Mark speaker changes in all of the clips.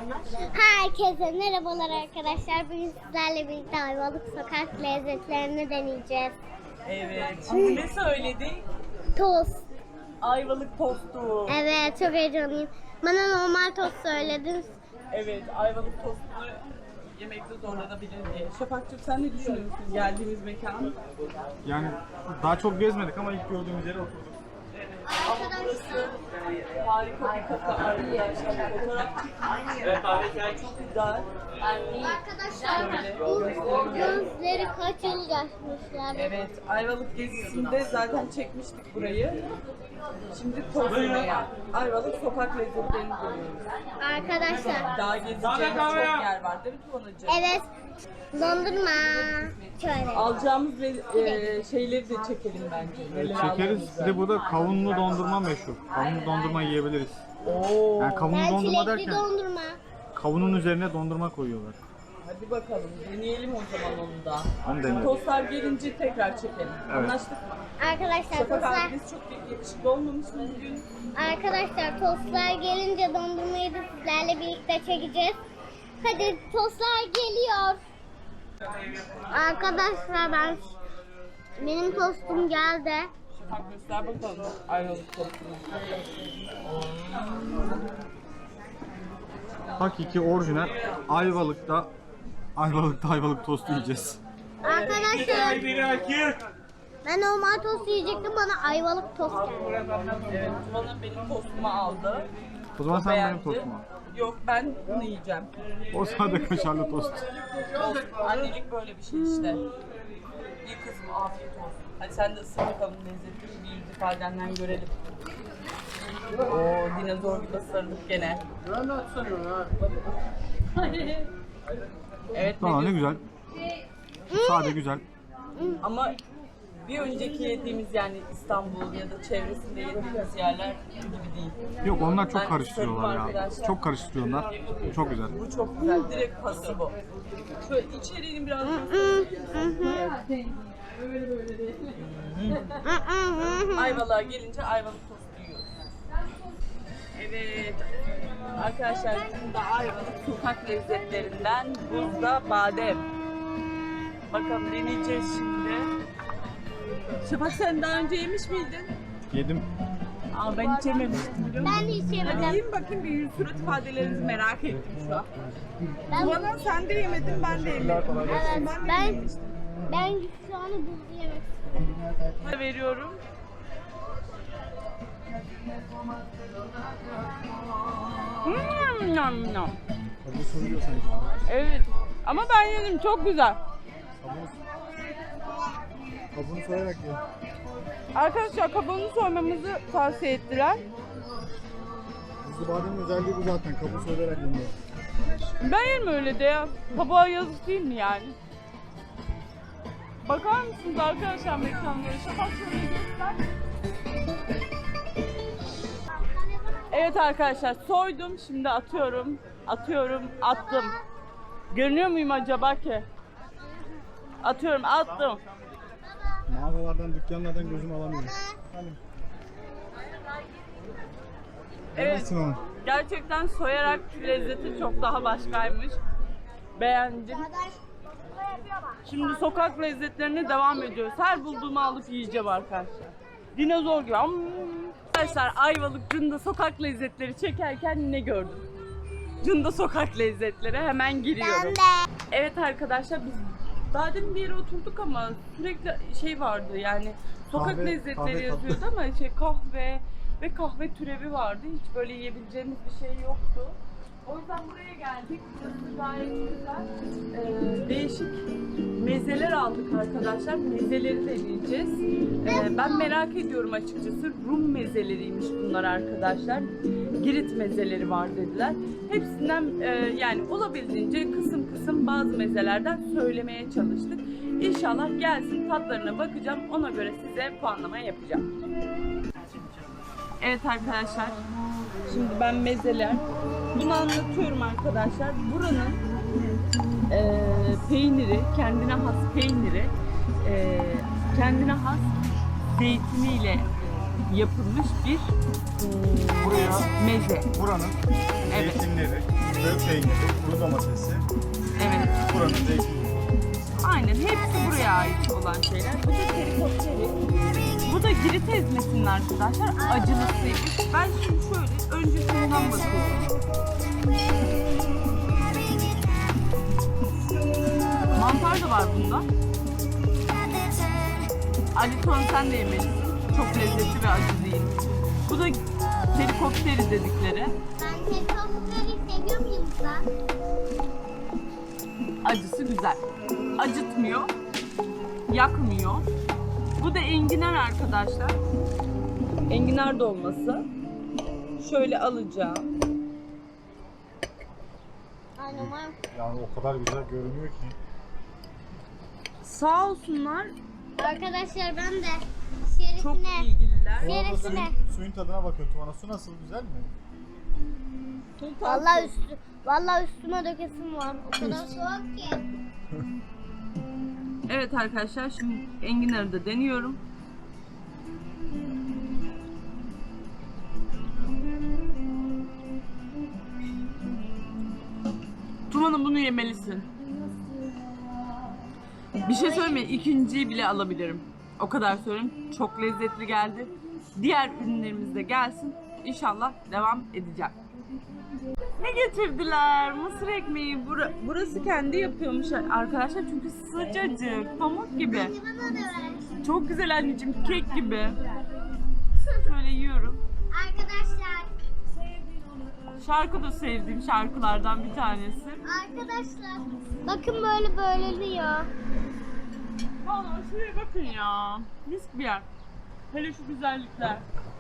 Speaker 1: Herkese merhabalar arkadaşlar. Bugün sizlerle birlikte Ayvalık sokak lezzetlerini deneyeceğiz.
Speaker 2: Evet. Şimdi ne söyledik?
Speaker 1: Tost.
Speaker 2: Ayvalık tostu.
Speaker 1: Evet, çok heyecanlıyım. Bana normal tost söylediniz.
Speaker 2: Evet, Ayvalık tostunu yemekte zorlanabilir diye. Şafakcığım sen ne düşünüyorsun geldiğimiz mekan?
Speaker 3: Yani daha çok gezmedik ama ilk gördüğümüz yere oturduk.
Speaker 2: Ama burası harika bir kafe arkadaşlar. Fotoğraf çekmek çok güzel.
Speaker 1: Arkadaşlar bu gözleri kaç yıl yaşmışlar.
Speaker 2: Evet, Ayvalık gezisinde zaten çekmiştik burayı. Şimdi tost yemeye. Ayvalık sokak lezzetlerini görüyoruz.
Speaker 1: Arkadaşlar.
Speaker 2: Daha gezeceğimiz çok yer var değil mi Tuvanacığım?
Speaker 1: Evet. Dondurma. Şöyle.
Speaker 2: Alacağımız şeyleri de çekelim bence. Neler
Speaker 3: Çekeriz.
Speaker 2: aldığımızı.
Speaker 3: Bir de burada kavunlu dondurma meşhur. Kavunlu dondurma yiyebiliriz.
Speaker 2: Oo.
Speaker 3: Yani kavunlu
Speaker 1: Ben
Speaker 3: dondurma
Speaker 1: çilekli
Speaker 3: derken
Speaker 1: dondurma.
Speaker 3: kavunun üzerine dondurma koyuyorlar.
Speaker 2: Hadi bakalım deneyelim o zaman onu da.
Speaker 3: Onu deneyelim.
Speaker 2: Tostlar gelince tekrar çekelim.
Speaker 3: Evet.
Speaker 2: Anlaştık mı?
Speaker 1: Arkadaşlar
Speaker 2: Şafak
Speaker 1: tostlar.
Speaker 2: abimiz çok yakışıklı olmamış mı bugün?
Speaker 1: Arkadaşlar tostlar gelince dondurmayı da sizlerle birlikte çekeceğiz. Hadi tostlar geliyor. Arkadaşlar benim tostum geldi.
Speaker 2: Şafak göster bakalım Ayvalık tostunu.
Speaker 3: Hakiki orijinal Ayvalık'ta Ayvalık tostu yiyeceğiz.
Speaker 1: Arkadaşlar ben normal tost yiyecektim, bana ayvalık tost geldi.
Speaker 2: Evet, Tuvan'a benim tostumu aldı.
Speaker 3: O zaman sen
Speaker 2: Beğendi.
Speaker 3: benim tostumu al.
Speaker 2: Yok, ben bunu yiyeceğim.
Speaker 3: O sade kaşarlı tost.
Speaker 2: Olsun, annelik böyle bir şey işte. İyi kızım, afiyet olsun. Hadi sen de ısır bakalım lezzetini, bir yüz ifadenden görelim. Oo, dinozor gibi ısırdık gene. Evet,
Speaker 3: Tamam ne
Speaker 2: ne
Speaker 3: güzel. Sade güzel.
Speaker 2: ama bir önceki yediğimiz yani İstanbul ya da çevresinde yediğimiz yerler gibi değil.
Speaker 3: Yok onlar
Speaker 2: Ben
Speaker 3: çok karıştırıyorlar
Speaker 2: ısırdım
Speaker 3: ya.
Speaker 2: arkadaşlar.
Speaker 3: Çok karıştırıyorlar. Çok güzel.
Speaker 2: Bu çok güzel, direkt pası bu. Şöyle içeriğini biraz göstereyim. Ayvalık'a gelince Ayvalık tostu yiyoruz. Evet. Arkadaşlar şimdi de Ayvalık sokak lezzetlerinden buzda badem. Bakalım deneyeceğiz şimdi. Şafak sen daha önce yemiş miydin?
Speaker 3: Yedim.
Speaker 2: Aa ben hiç yememiştim biliyor musun?
Speaker 1: Ben hiç
Speaker 2: Hadi
Speaker 1: yemedim.
Speaker 2: yiyin bakayım bir yüz surat ifadelerinizi merak ettim şu an.
Speaker 1: Ben,
Speaker 2: Tuana sen de yemedin ben de yemedim.
Speaker 1: evet,
Speaker 2: Ben de
Speaker 1: ben
Speaker 2: yememiştim.
Speaker 1: şu an buzlu yemek istiyorum.
Speaker 2: Veriyorum. Nam nam.
Speaker 3: Bu soruyor sanki.
Speaker 2: Evet. Ama ben yedim çok güzel.
Speaker 3: Kabuğunu soyarak ye.
Speaker 2: Arkadaşlar kabuğunu soymamızı tavsiye ettiler.
Speaker 3: Buzlu bademin özelliği bu zaten. Kabuğu soyarak yeniyor.
Speaker 2: Ben yerim öyle de ya. Kabuğa yazık değil mi yani? Bakar mısınız arkadaşlar mekanlara? Şafak şöyle göster. Evet arkadaşlar soydum. Şimdi atıyorum. Atıyorum. Attım. Görünüyor muyum acaba ki? Atıyorum. Attım.
Speaker 3: Mağazalardan, dükkanlardan gözümü alamıyorum.
Speaker 2: Evet.
Speaker 3: Yemezsin onu.
Speaker 2: Gerçekten soyarak lezzeti çok daha başkaymış. Beğendim. Şimdi sokak lezzetlerine devam ediyoruz. Her bulduğumu alıp yiyeceğim arkadaşlar. Dinozor gibi. Arkadaşlar Ayvalık Cunda sokak lezzetleri çekerken ne gördüm? Cunda sokak lezzetleri hemen giriyorum. Evet arkadaşlar biz daha demin bir yere oturduk ama sürekli şey vardı yani sokak
Speaker 3: Kahve,
Speaker 2: lezzetleri
Speaker 3: kahve
Speaker 2: yazıyordu ama kahve ve kahve türevi vardı. Hiç böyle yiyebileceğimiz bir şey yoktu. O yüzden buraya geldik. Burası gayet güzel. Değişik mezeler aldık arkadaşlar. Mezeleri deneyeceğiz. Ben merak ediyorum açıkçası. Rum mezeleriymiş bunlar arkadaşlar. Girit mezeleri var dediler. Hepsinden yani olabildiğince kısım kısım bazı mezelerden söylemeye çalıştık. İnşallah gelsin tatlarına bakacağım. Ona göre size puanlama yapacağım. Evet arkadaşlar. Şimdi ben mezeler. Bunu anlatıyorum arkadaşlar. Buranın peyniri, kendine has peyniri, kendine has zeytiniyle yapılmış bir
Speaker 3: Buraya
Speaker 2: meze.
Speaker 3: buranın
Speaker 2: Evet.
Speaker 3: zeytinleri, Fıstığı, peyniri, kuru domatesi,
Speaker 2: Evet.
Speaker 3: buranın zeytini.
Speaker 2: Aynen hepsi buraya ait olan şeyler. Bu da terikoteri. Bu da girit ezmesinin arkadaşlar acılısıymış. Ben şimdi şöyle önce şundan bakıyorum. Mantar da var bunda. Ali Ton sen de yemelisin. Çok lezzetli ve acı değil. Bu da terikoteri dedikleri.
Speaker 1: Ben helikopteri seviyor muyum ben?
Speaker 2: Acısı güzel. Acıtmıyor. Yakmıyor. Bu da enginar arkadaşlar. Enginar dolması. Şöyle alacağım.
Speaker 1: Ay normal.
Speaker 3: Yani o kadar güzel görünüyor ki.
Speaker 2: Sağ olsunlar.
Speaker 1: Arkadaşlar ben de
Speaker 2: Çok
Speaker 1: şerefine.
Speaker 2: ilgililer.
Speaker 3: Bu arada
Speaker 1: Neresine?
Speaker 3: suyun tadına bakıyorum. Tuvana su nasıl, güzel mi?
Speaker 1: Vallahi üstüme dökesim var. O kadar soğuk ki.
Speaker 2: Evet arkadaşlar şimdi enginarı da deniyorum. Tuman'ım bunu yemelisin. Bir şey söyleyeyim mi? İkinciyi bile alabilirim. O kadar söyleyeyim. Çok lezzetli geldi. Diğer ürünlerimiz de gelsin. İnşallah devam edeceğim. Ne getirdiler? Mısır ekmeği. Burası kendi yapıyormuş arkadaşlar çünkü sıcacık, pamuk gibi.
Speaker 1: Bana da ver.
Speaker 2: Çok güzel anneciğim, kek gibi. Şöyle yiyorum.
Speaker 1: Arkadaşlar.
Speaker 2: Şarkı da sevdiğim şarkılardan bir tanesi.
Speaker 1: Arkadaşlar. Bakın böyle böyleliyor.
Speaker 2: Vallahi şuraya bakın ya. Mis bir yer. Hele şu güzellikler.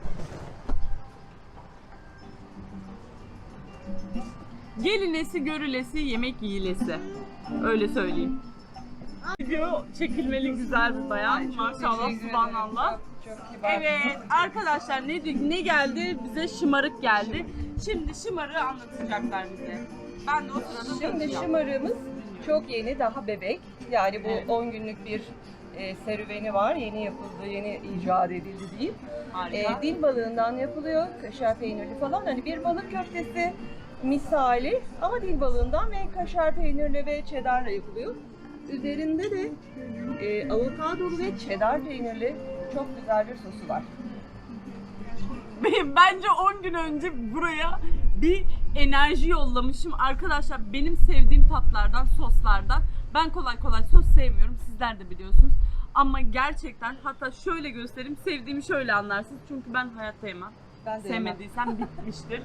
Speaker 2: Gelinesi, görülesi, yemek yiyilesi. Öyle söyleyeyim. Video çekilmeli güzel bir bayan. Maşallah, subhanallah. Evet arkadaşlar ne geldi? Bize şımarık geldi. Şimdi şımarığı anlatacaklar bize. Ben de o sırada
Speaker 4: Şimdi
Speaker 2: tanıtacağım.
Speaker 4: şımarığımız çok yeni, daha bebek. Yani bu
Speaker 2: Evet.
Speaker 4: 10 günlük bir serüveni var. Yeni yapıldı, yeni icat edildi diyeyim.
Speaker 2: Harika.
Speaker 4: Dil balığından yapılıyor. Kaşar peynirli falan. Hani bir balık köftesi misali ama dil balığından ve kaşar peynirli ve cheddarla yapılıyor. Üzerinde de avokadolu ve cheddar peynirli çok güzel bir sosu var.
Speaker 2: Bence 10 gün önce buraya bir enerji yollamışım. Arkadaşlar benim sevdiğim tatlardan, soslardan. Ben kolay kolay sos sevmiyorum. Sizler de biliyorsunuz. Ama gerçekten hatta şöyle göstereyim. Sevdiğimi şöyle anlarsınız. Çünkü ben hayatta yemem.
Speaker 4: Ben de yemem.
Speaker 2: Sevmediysem bitmiştir.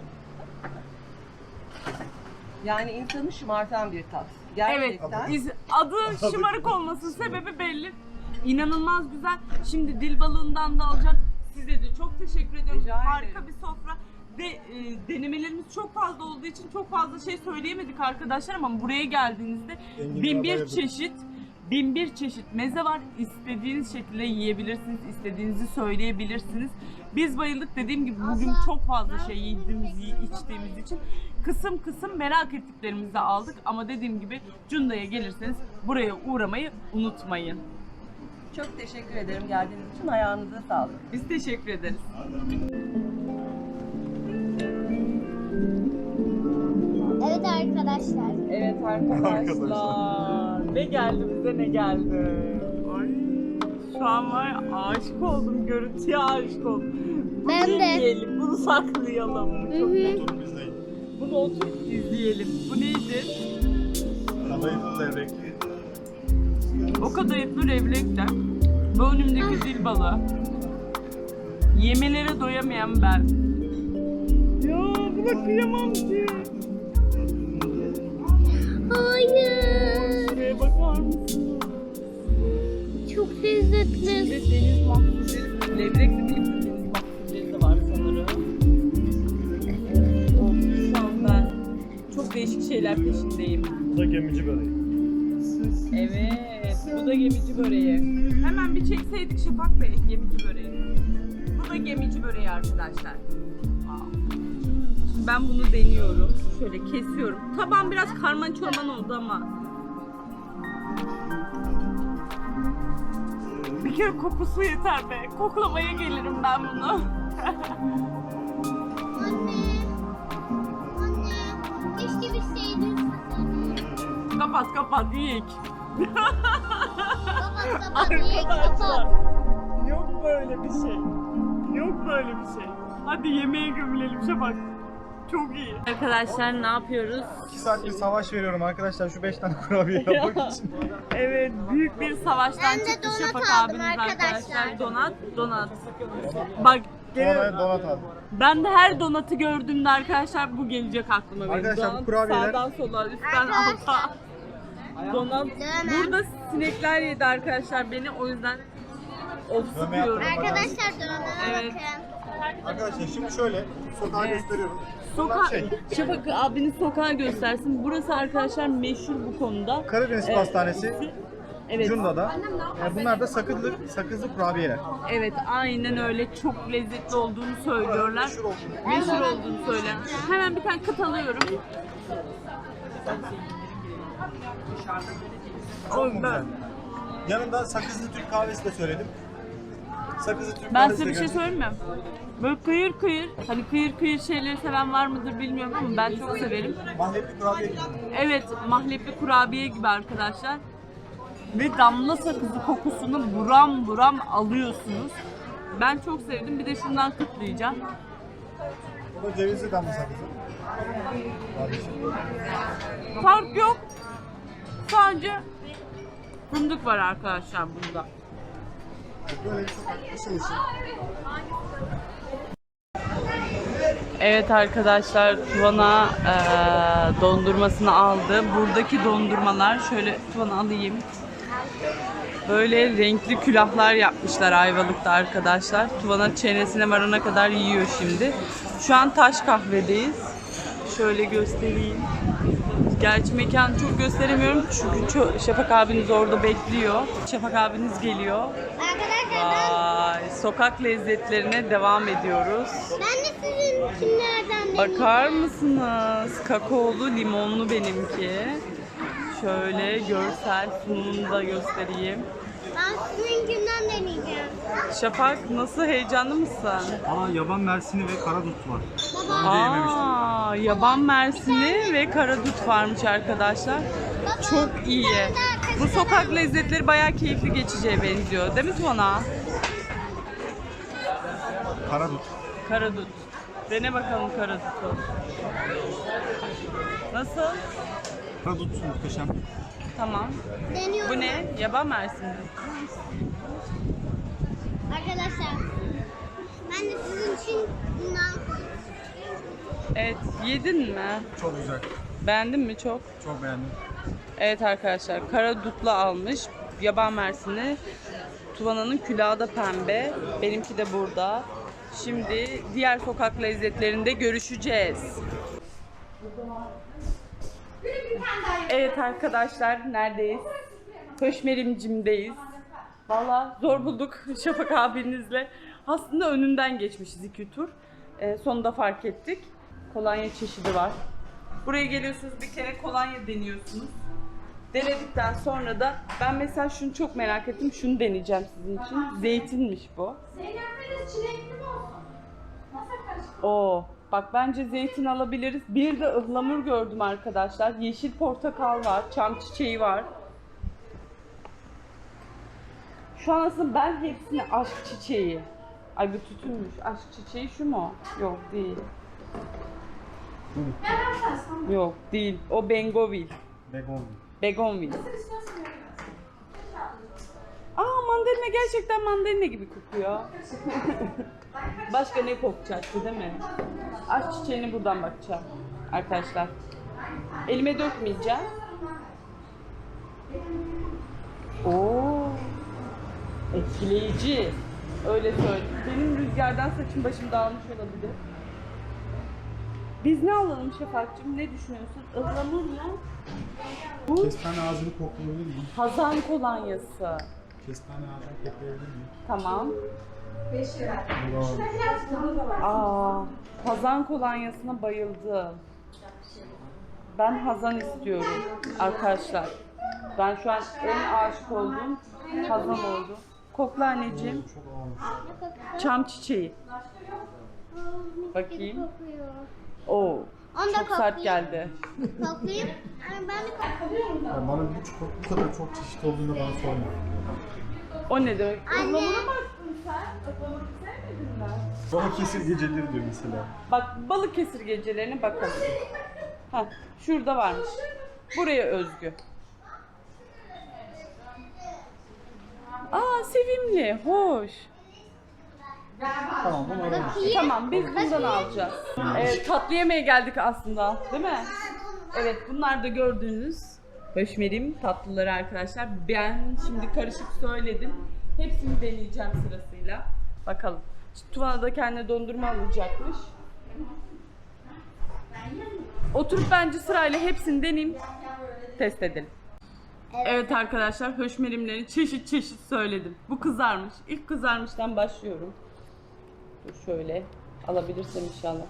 Speaker 4: Yani insanı şımartan bir tat.
Speaker 2: Evet,
Speaker 4: Gerçekten.
Speaker 2: adı şımarık olmasının sebebi belli. İnanılmaz güzel. Şimdi dil balığından da alacak. Size de çok teşekkür ediyorum.
Speaker 4: Rica ederim.
Speaker 2: Harika bir sofra. Ve denemelerimiz çok fazla olduğu için çok fazla şey söyleyemedik arkadaşlar ama buraya geldiğinizde
Speaker 3: Enginar'a
Speaker 2: 1001
Speaker 3: bayıldım.
Speaker 2: çeşit 1001 çeşit meze var. İstediğiniz şekilde yiyebilirsiniz, istediğinizi söyleyebilirsiniz. Biz bayıldık, dediğim gibi bugün çok fazla şey içtiğimiz için kısım kısım merak ettiklerimizi aldık ama dediğim gibi Cunda'ya gelirseniz buraya uğramayı unutmayın.
Speaker 4: Çok teşekkür ederim geldiğiniz için. Ayağınıza sağlık.
Speaker 2: Biz teşekkür ederiz.
Speaker 1: Evet arkadaşlar.
Speaker 4: Evet
Speaker 2: Arkadaşlar ne geldi bize ne geldi. Ay, şu an var ya, aşık oldum, görüntüye aşık oldum. Bunu
Speaker 1: Ben de.
Speaker 2: izleyelim, bunu saklayalım. Çok
Speaker 3: Oturup izleyin.
Speaker 2: Bunu oturup izleyelim. Bu neydi?
Speaker 3: Kadayıflı levrekli.
Speaker 2: O kadayıflı levrekler. Bu önümdeki dil balığı. Yemelere doyamayan ben. Ya buna kıyamam ki.
Speaker 1: Hayır.
Speaker 2: Şuraya bakar mısın?
Speaker 1: Çok lezzetli.
Speaker 2: İçinde deniz mahsulleri, levrekli değil de deniz mahsulleri de var sanırım. Of, şu an ben çok değişik şeyler peşindeyim.
Speaker 3: Bu da gemici böreği.
Speaker 2: Evet, bu da gemici böreği. Hemen bir çekseydik Şafak Bey, gemici böreği. Bu da gemici böreği arkadaşlar. Wow. Şimdi ben bunu deniyorum. Şöyle kesiyorum. Tabağım biraz karman çorman oldu ama. Bir kere kokusu yeter be. Koklamaya gelirim ben bunu.
Speaker 1: Anne. Anne. Keşke biz
Speaker 2: Kapat ilk.
Speaker 1: Kapat iyi
Speaker 2: Arkadaşlar.
Speaker 1: kapat.
Speaker 2: Yok böyle bir şey. Yok böyle bir şey. Hadi yemeğe gömülelim Şafak. Çok iyi. Arkadaşlar ne yapıyoruz?
Speaker 3: 2 saattir savaş veriyorum arkadaşlar şu 5 tane kurabiye yapmak için.
Speaker 2: Evet, büyük bir savaştan
Speaker 1: Ben de
Speaker 2: çıktı
Speaker 1: donat
Speaker 2: Şafak
Speaker 1: aldım
Speaker 2: abiniz
Speaker 1: arkadaşlar.
Speaker 2: Donat. Bak,
Speaker 3: Donat aldım.
Speaker 2: ben de her donatı gördüğümde arkadaşlar bu gelecek aklıma benim.
Speaker 3: Arkadaşlar, bu
Speaker 2: Donat
Speaker 3: kurabiyeler-
Speaker 2: sağdan sola, üstten
Speaker 1: Arkadaşlar.
Speaker 2: alta. Donat. Burada sinekler yedi arkadaşlar beni, o yüzden of
Speaker 3: Dövme
Speaker 2: sıkıyorum.
Speaker 3: yaptım.
Speaker 1: Arkadaşlar donana
Speaker 2: Evet.
Speaker 1: bakın.
Speaker 3: Arkadaşlar şimdi şöyle sokağa
Speaker 2: Evet.
Speaker 3: gösteriyorum.
Speaker 2: Sokağa,
Speaker 3: Şey,
Speaker 2: Şafak abiniz sokağa göstersin. Burası arkadaşlar meşhur bu konuda.
Speaker 3: Karadeniz Pastanesi,
Speaker 2: Evet.
Speaker 3: Cunda'da. Bunlar da sakızlı kurabiyeler.
Speaker 2: Evet, aynen öyle. Çok lezzetli olduğunu söylüyorlar.
Speaker 3: Meşhur olduğunu.
Speaker 2: Meşhur olduğunu söyler. Hemen bir tane kıt alıyorum.
Speaker 3: Çok mu güzel? Yanında sakızlı Türk kahvesi de söyledim. Sakızlı Türk
Speaker 2: Ben
Speaker 3: kahvesi
Speaker 2: size
Speaker 3: de
Speaker 2: bir şey
Speaker 3: geldi.
Speaker 2: söyleyeyim mi? Böyle kıyır kıyır, hani kıyır kıyır şeyleri seven var mıdır bilmiyorum ama ben çok severim.
Speaker 3: Mahlepli kurabiye gibi.
Speaker 2: Evet, mahlepli kurabiye gibi arkadaşlar. Ve damla sakızı kokusunu buram buram alıyorsunuz. Ben çok sevdim. Bir de şundan kıtlayacağım.
Speaker 3: Bu da cevizli damla sakızı. Kardeşim.
Speaker 2: Fark yok. Sadece fındık var arkadaşlar bunda.
Speaker 3: Böyle bir sokak ışıl ışıl.
Speaker 2: Evet arkadaşlar, Tuvana dondurmasını aldı. Buradaki dondurmalar, şöyle Tuvana alayım. Böyle renkli külahlar yapmışlar Ayvalık'ta arkadaşlar. Tuvana çenesine varana kadar yiyor şimdi. Şu an Taş Kahve'deyiz. Şöyle göstereyim. Gerçi mekanı çok gösteremiyorum çünkü Şafak abiniz orada bekliyor. Şafak abiniz geliyor.
Speaker 1: Arkadaşlar
Speaker 2: Vay, sokak lezzetlerine devam ediyoruz.
Speaker 1: ben de sizin kimlerden
Speaker 2: Bakar mısınız? Kakaolu limonlu benimki. Şöyle görsel sunumunu da göstereyim.
Speaker 1: Ben sizinkinden deneyeceğim.
Speaker 2: Şafak, nasıl, heyecanlı mısın?
Speaker 3: Aa, yaban mersini ve karadut var. Daha önce yememiştim.
Speaker 2: Aa, yaban mersini ve karadut varmış arkadaşlar. Çok iyi. Bu sokak lezzetleri bayağı keyifli geçeceğe benziyor. Değil mi Tuana?
Speaker 3: Karadut.
Speaker 2: Karadut. Dene bakalım karadutu. Nasıl?
Speaker 3: Karadut muhteşem.
Speaker 2: Tamam.
Speaker 1: Deniyorum.
Speaker 2: Bu ne? Yaban mersini.
Speaker 1: Arkadaşlar ben de sizin için bundan
Speaker 2: Evet, yedin mi?
Speaker 3: Çok güzel.
Speaker 2: Beğendin mi çok?
Speaker 3: Çok beğendim.
Speaker 2: Evet arkadaşlar, karadutla almış. Yaban mersini. Tuvana'nın külahı da pembe. Benimki de burada. Şimdi diğer sokak lezzetlerinde görüşeceğiz. Evet arkadaşlar, neredeyiz? Höşmerimcim'deyiz. Valla zor bulduk Şafak abinizle. Aslında önünden geçmişiz 2 tur. Sonunda fark ettik. Kolonya çeşidi var. Buraya geliyorsunuz, bir kere kolonya deniyorsunuz. Denedikten sonra da ben mesela şunu çok merak ettim. Şunu deneyeceğim sizin için. Zeytinmiş bu. Oo, bak bence zeytin alabiliriz. Bir de ıhlamur gördüm arkadaşlar. Yeşil portakal var, çam çiçeği var. Şu an aslında ben hepsini aşk çiçeği. Ay bu tütünmüş. Aşk çiçeği şu mu? Yok değil. Yok değil. O Bengovil.
Speaker 3: Begon.
Speaker 2: Begonvil. Aa, mandalina gerçekten mandalina gibi kokuyor. Başka ne kokacaktı değil mi? Aşk çiçeğine buradan bakacağım arkadaşlar. Elime dökmeyeceğim. Oo, etkileyici. Öyle söyleyeyim. Benim rüzgardan saçım başım dağılmış olabilir. Biz ne alalım Şafak'cığım? Ne düşünüyorsun? Ihlamur mu? Bu
Speaker 3: Kestane ağzını koklayabilir miyim?
Speaker 2: Hazan kolonyası.
Speaker 3: Kestane ağzını koklayabilir miyim?
Speaker 2: Tamam.
Speaker 3: Bravo.
Speaker 2: Aa, Hazan kolonyasına bayıldım. Ben Hazan istiyorum arkadaşlar. Ben şu an en aşık olduğum Hazan oldu. Kokla anneciğim.
Speaker 3: Çok ağırmış.
Speaker 2: Çam çiçeği. Bakayım.
Speaker 1: kokuyor.
Speaker 2: Oo,
Speaker 1: Onu da
Speaker 2: Çok sert
Speaker 1: koklayayım.
Speaker 2: geldi.
Speaker 1: Koklayayım. Yani ben de koklayayım.
Speaker 3: Yani bana bu kadar çok çeşit olduğunda bana sorma.
Speaker 2: O ne demek?
Speaker 1: Anne.
Speaker 2: Ihlamura baktın sen. Ihlamuru sevmedin mi?
Speaker 3: Balıkesir geceleri diyor mesela.
Speaker 2: Bak Balıkesir gecelerine bakalım. Ha, şurada varmış. Buraya özgü. Aa sevimli, hoş.
Speaker 3: Tamam bunu alalım.
Speaker 1: Bakayım.
Speaker 2: Tamam biz bundan alacağız. Tatlı yemeğe geldik aslında, değil mi? Evet bunlar da gördüğünüz höşmerim tatlıları arkadaşlar. Ben şimdi karışık söyledim. Hepsini deneyeceğim sırasıyla. Bakalım. Şimdi Tuvana da kendine dondurma alacakmış. Oturup bence sırayla hepsini deneyeyim. Test edelim. Evet arkadaşlar höşmerimleri çeşit çeşit söyledim. Bu kızarmış. İlk kızarmıştan başlıyorum. Dur şöyle alabilirsem inşallah.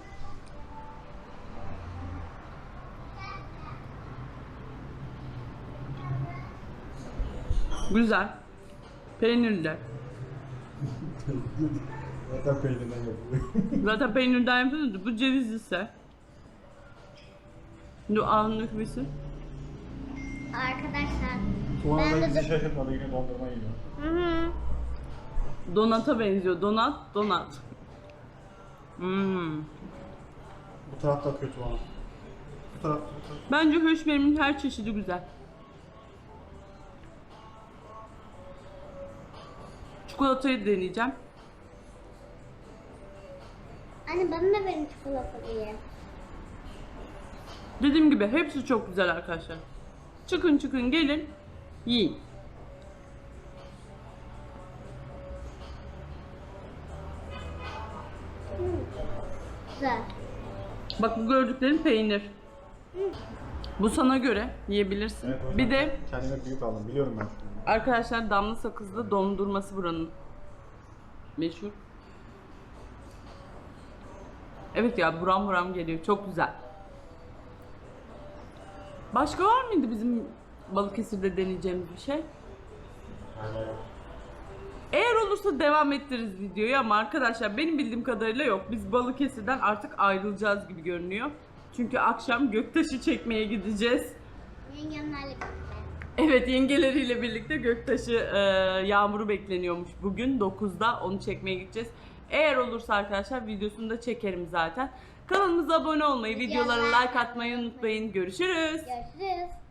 Speaker 2: Güzel. Peynirli.
Speaker 3: Zaten peynirden yapılıyor.
Speaker 2: Zaten peynirden yapıyordu. Bu ceviz ise. Şimdi ağzını dökmesi.
Speaker 1: Arkadaşlar.
Speaker 3: Tuğan
Speaker 1: Ben
Speaker 3: da
Speaker 1: de
Speaker 3: bizi şaşırtmadı yine dondurma yiyor.
Speaker 1: Hı hı.
Speaker 2: Donata benziyor. Donat.
Speaker 3: Bu tarafta atıyor Tuğan. Bu taraf.
Speaker 2: Bence höşmerimin her çeşidi güzel. Çikolatayı deneyeceğim.
Speaker 1: Anne bana da verin çikolata diye.
Speaker 2: Dediğim gibi hepsi çok güzel arkadaşlar. Çıkın gelin yiyin.
Speaker 1: Güzel.
Speaker 2: Bak bu gördüklerin peynir. Bu sana göre yiyebilirsin.
Speaker 3: Evet, o yüzden
Speaker 2: Bir de
Speaker 3: kendime büyük aldım biliyorum ben.
Speaker 2: arkadaşlar damla sakızlı dondurması buranın meşhur. Evet ya buram geliyor. Çok güzel. Başka var mıydı bizim Balıkesir'de deneyeceğimiz bir şey?
Speaker 3: Aynen.
Speaker 2: Eğer olursa devam ettiririz videoyu ama arkadaşlar benim bildiğim kadarıyla yok. Biz Balıkesir'den artık ayrılacağız gibi görünüyor. Çünkü akşam Göktaş'ı çekmeye gideceğiz.
Speaker 1: Yengemlerle birlikte.
Speaker 2: Evet yengeleriyle birlikte Göktaş'ı Yağmur'u bekleniyormuş bugün 9'da onu çekmeye gideceğiz. Eğer olursa arkadaşlar videosunu da çekerim zaten. Kanalımıza abone olmayı, videolara like atmayı unutmayın. Görüşürüz.
Speaker 1: Görüşürüz.